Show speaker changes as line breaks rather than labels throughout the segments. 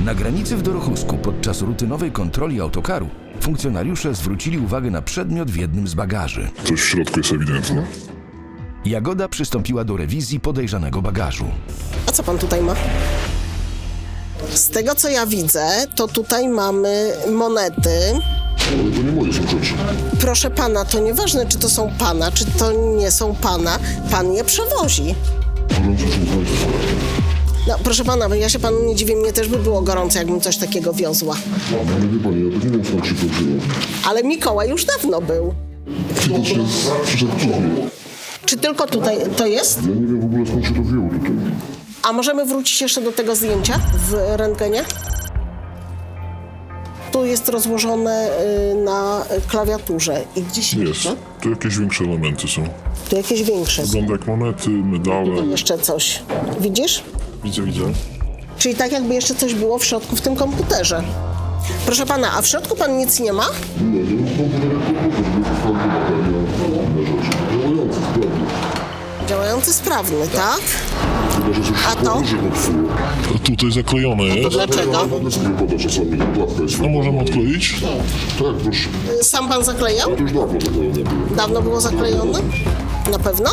Na granicy w Dorochusku podczas rutynowej kontroli autokaru funkcjonariusze zwrócili uwagę na przedmiot w jednym z bagaży.
Coś w środku jest ewidentne.
Jagoda przystąpiła do rewizji podejrzanego bagażu.
A co pan tutaj ma? Z tego co ja widzę, to tutaj mamy monety.
Ale to nie moje są rzeczy.
Proszę pana, to nieważne, czy to są pana, czy to nie są pana. Pan je przewozi.
Gorące są państwo.
No, proszę pana, ja się panu nie dziwię, mnie też by było gorąco, jakbym coś takiego wiozła.
Ale wie pani, ja to nie wiem skąd się to wzięło.
Ale Mikołaj już dawno był.
Widocznie przyszedł później.
Czy tylko tutaj to jest?
Ja nie wiem w ogóle skąd się to wzięło tutaj.
A możemy wrócić jeszcze do tego zdjęcia w rentgenie? Tu jest rozłożone na klawiaturze. I gdzieś
Jest.
jeszcze?
Tu jakieś większe elementy są.
Tu jakieś większe.
Wygląda jak monety, medale.
Jeszcze coś. Widzisz?
Widzę.
Czyli tak jakby jeszcze coś było w środku w tym komputerze. Proszę pana, a w środku pan nic nie ma?
Nie, nie mam komputer jak komputer, żeby sprawdził bateria, inne rzeczy. Działający, sprawny.
Działający sprawny, tak?
Chyba, że coś
A to?
położy popsuło. Tutaj zaklejone jest.
Dlaczego?
Będę sobie poda czasami, klapka jest. A możemy odkleić? Tak, proszę.
Sam pan zaklejał?
To już dawno zaklejone było.
Dawno było zaklejone? Na pewno?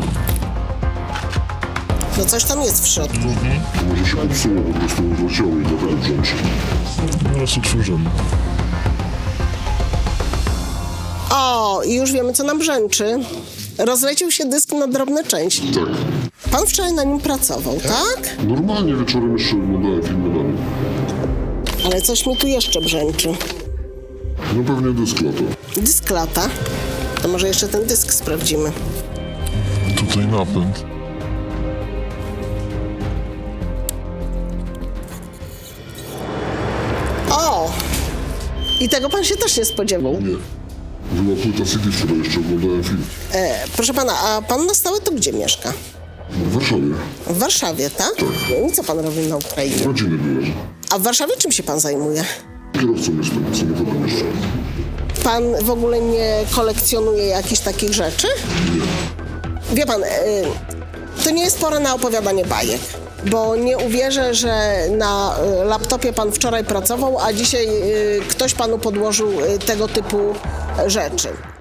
No coś tam jest w środku.
To może się popsuło, po prostu zleciało i dlatego brzęczy. Teraz otworzymy.
O, i już wiemy, co nam brzęczy. Rozleciał się dysk na drobne części.
Tak.
Pan wczoraj na nim pracował, tak?
Normalnie wieczorem jeszcze oglądałem filmy na nim.
Ale coś mi tu jeszcze brzęczy.
No pewnie dysk lata.
Dysk lata. To może jeszcze ten dysk sprawdzimy.
Tutaj napęd.
O! I tego pan się też nie spodziewał.
Nie. Była płyta CD, wczoraj jeszcze oglądałem film.
Proszę pana, a pan na stałe to gdzie mieszka?
W Warszawie.
W Warszawie, tak? No i co pan robi na Ukrainie?
Rodziny byłem.
A w Warszawie czym się pan zajmuje?
Kierowcą jestem, samochodem jeszcze.
Pan w ogóle nie kolekcjonuje jakichś takich rzeczy? Wie pan, to nie jest pora na opowiadanie bajek, bo nie uwierzę, że na laptopie pan wczoraj pracował, a dzisiaj ktoś panu podłożył tego typu rzeczy.